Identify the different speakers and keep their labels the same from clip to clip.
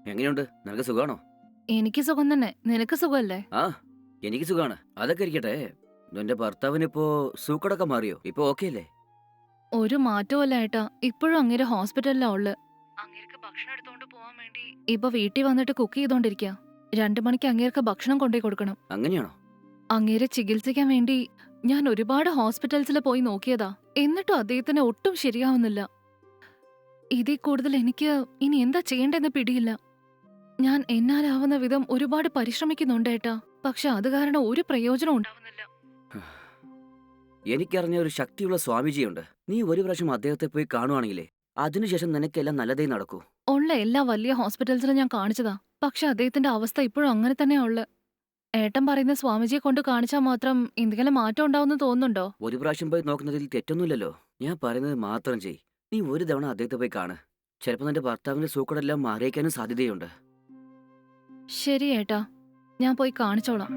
Speaker 1: എങ്ങനെയുണ്ട്? നിനക്ക് സുഖാണോ?
Speaker 2: എനിക്ക് സുഖം തന്നെ. നിനക്ക് സുഖല്ലേ?
Speaker 1: ആ, എനിക്ക് സുഖാണ്. അതൊക്കെ ഇരിക്കട്ടെ. നിന്റെ ഭർത്താവിനിപ്പോ സൂക്കടൊക്കെ മാറിയോ? ഇപ്പൊ ഓക്കെ അല്ലേ?
Speaker 2: ഒരു മാറ്റവുമല്ല ഏട്ടാ. ഇപ്പോഴും അങ്ങേര് ഹോസ്പിറ്റലിലാ ഉള്ളെ. അങ്ങേർക്ക് ഭക്ഷണം എടുത്തോണ്ട് പോവാൻ വേണ്ടി ഇപ്പൊ വീട്ടിൽ വന്നിട്ട് കുക്ക് ചെയ്തോണ്ടിരിക്കാ. 2 മണിക്ക് അങ്ങേർക്ക് ഭക്ഷണം കൊണ്ടുപോയി കൊടുക്കണം.
Speaker 1: അങ്ങനെയാണോ?
Speaker 2: അങ്ങേരെ ചികിത്സിക്കാൻ വേണ്ടി ഞാൻ ഒരുപാട് ഹോസ്പിറ്റൽസിൽ പോയി നോക്കിയതാ. എന്നിട്ടും അദ്ദേഹത്തിന് ഒട്ടും ശരിയാവുന്നില്ല. ഇതിൽ കൂടുതൽ എനിക്ക് ഇനി എന്താ ചെയ്യേണ്ടെന്ന് പിടിയില്ല. ഞാൻ എന്നാലാവുന്ന വിധം ഒരുപാട് പരിശ്രമിക്കുന്നുണ്ട് ഏട്ടാ. പക്ഷെ അത് കാരണം ഒരു പ്രയോജനം ഉണ്ടാവുന്നില്ല.
Speaker 1: എനിക്കറിഞ്ഞ ഒരു ശക്തിയുള്ള സ്വാമിജിയുണ്ട്. നീ ഒരു പ്രാവശ്യം അദ്ദേഹത്തെ പോയി കാണുവാണെങ്കിലേ അതിനുശേഷം നിനക്കെല്ലാം നല്ലതേ നടക്കൂ.
Speaker 2: ഉള്ള എല്ലാ വലിയ ഹോസ്പിറ്റൽസിലും ഞാൻ കാണിച്ചതാ. പക്ഷെ അദ്ദേഹത്തിന്റെ അവസ്ഥ ഇപ്പോഴും അങ്ങനെ തന്നെയാ ഉള്ളെ. ഏട്ടൻ പറയുന്ന സ്വാമിജിയെ കൊണ്ട് കാണിച്ചാൽ മാത്രം എന്തെങ്കിലും മാറ്റം ഉണ്ടാവുമെന്ന് തോന്നുന്നുണ്ടോ?
Speaker 1: ഒരു പ്രാവശ്യം പോയി നോക്കുന്നതിൽ തെറ്റൊന്നുമില്ലല്ലോ. ഞാൻ പറയുന്നത് മാത്രം ചെയ്. നീ ഒരു തവണ അദ്ദേഹത്തെ പോയി കാണ്. ചിലപ്പോൾ നിന്റെ ഭർത്താവിന്റെ സൂക്കടെല്ലാം മാറിയേക്കാനും സാധ്യതയുണ്ട്.
Speaker 2: ശരി ഏട്ടാ, ഞാൻ പോയി കാണിച്ചോളാം.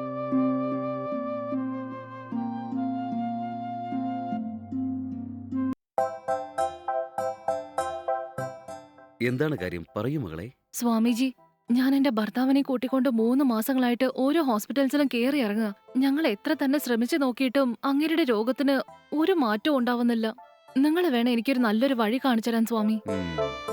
Speaker 3: എന്താണ് കാര്യം? പറയൂ മകളെ.
Speaker 2: സ്വാമിജി, ഞാൻ എന്റെ ഭർത്താവിനെ കൂട്ടിക്കൊണ്ട് 3 മാസങ്ങളായിട്ട് ഓരോ ഹോസ്പിറ്റൽസിലും കേറി ഇറങ്ങുക. ഞങ്ങൾ എത്ര തന്നെ ശ്രമിച്ചു നോക്കിയിട്ടും അങ്ങേരുടെ രോഗത്തിന് ഒരു മാറ്റവും ഉണ്ടാവുന്നില്ല. നിങ്ങൾ വേണം എനിക്കൊരു നല്ലൊരു വഴി കാണിച്ചു തരാൻ സ്വാമി.
Speaker 3: ഉം.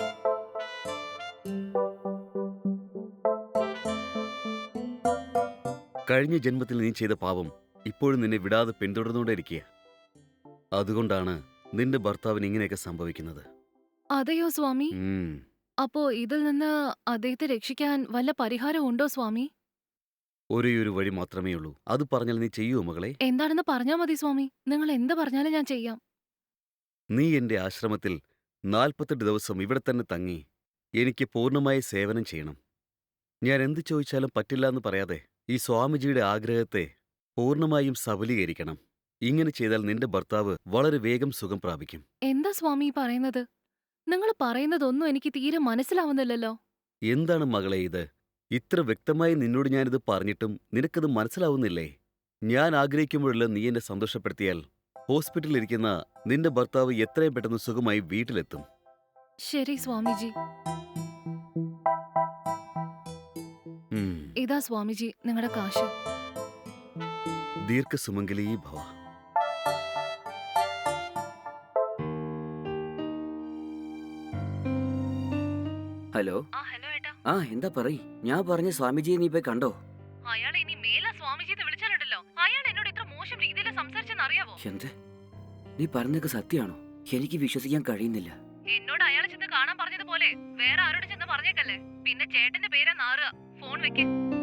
Speaker 3: കഴിഞ്ഞ ജന്മത്തിൽ നീ ചെയ്ത പാപം ഇപ്പോഴും നിന്നെ വിടാതെ പിന്തുടർന്നുകൊണ്ടിരിക്കുക. അതുകൊണ്ടാണ് നിന്റെ ഭർത്താവിന് ഇങ്ങനെയൊക്കെ സംഭവിക്കുന്നത്.
Speaker 2: അതെയോ സ്വാമി?
Speaker 3: ഉം.
Speaker 2: അപ്പോ ഇതിൽ നിന്ന് അദ്ദേഹത്തെ രക്ഷിക്കാൻ വല്ല പരിഹാരം ഉണ്ടോ സ്വാമി?
Speaker 3: ഒരേയൊരു വഴി മാത്രമേ ഉള്ളൂ. അത് പറഞ്ഞാൽ നീ ചെയ്യുമോ മകളെ?
Speaker 2: എന്താണെന്ന് പറഞ്ഞാ മതി സ്വാമി. നിങ്ങൾ എന്ത് പറഞ്ഞാലും ഞാൻ ചെയ്യാം.
Speaker 3: നീ എന്റെ ആശ്രമത്തിൽ 48 ദിവസം ഇവിടെ തന്നെ തങ്ങി എനിക്ക് പൂർണ്ണമായി സേവനം ചെയ്യണം. ഞാൻ എന്ത് ചോദിച്ചാലും പറ്റില്ല എന്ന് പറയാതെ ഈ സ്വാമിജിയുടെ ആഗ്രഹത്തെ പൂർണ്ണമായും സബലീകരിക്കണം. ഇങ്ങനെ ചെയ്താൽ നിന്റെ ഭർത്താവ് വളരെ വേഗം സുഖം പ്രാപിക്കും.
Speaker 2: എന്താ സ്വാമി ഈ പറയുന്നത്? നിങ്ങൾ പറയുന്നതൊന്നും എനിക്ക് തീരെ മനസ്സിലാവുന്നില്ലല്ലോ.
Speaker 3: എന്താണ് മകളെ ഇത്? ഇത്ര വ്യക്തമായി നിന്നോട് ഞാനിത് പറഞ്ഞിട്ടും നിനക്കത് മനസ്സിലാവുന്നില്ലേ? ഞാൻ ആഗ്രഹിക്കുമ്പോഴെല്ലാം നീ എന്നെ സന്തോഷപ്പെടുത്തിയാൽ ഹോസ്പിറ്റലിലിരിക്കുന്ന നിന്റെ ഭർത്താവ് എത്രയും പെട്ടെന്ന് സുഖമായി വീട്ടിലെത്തും.
Speaker 2: ശരി സ്വാമിജി.
Speaker 3: ഉം.
Speaker 2: ഇതാ സ്വാമിജി നിങ്ങളുടെ കാശ്.
Speaker 3: ദീർഘസുമംഗലീ ഭവ.
Speaker 1: ഹലോ.
Speaker 2: ഹലോ ഏട്ടാ.
Speaker 1: എന്താ പറയ്. ഞാൻ പറഞ്ഞ സ്വാമിജിയെ നീ പോയി കണ്ടോ?
Speaker 2: അയാൾ ഇനി മേലെ സ്വാമിജി എന്ന് വിളിച്ചാലുണ്ടല്ലോ, അയാൾ എന്നോട് ഇത്ര മോശം രീതിയിൽ സംസാരിച്ചെന്ന് അറിയാവോ?
Speaker 1: എന്ത്? നീ പറഞ്ഞതൊക്കെ സത്യമാണോ? എനിക്ക് വിശ്വസിക്കാൻ കഴിയുന്നില്ല.
Speaker 2: എന്നോട് അയാൾ ചെന്ന് കാണാൻ പറഞ്ഞതുപോലെ വേറെ ആരോട് ചെന്ന് പറഞ്ഞേക്കല്ലേ. പിന്നെ ചേട്ടന്റെ പേരാ നാറുക. ഫോൺ വെക്ക്.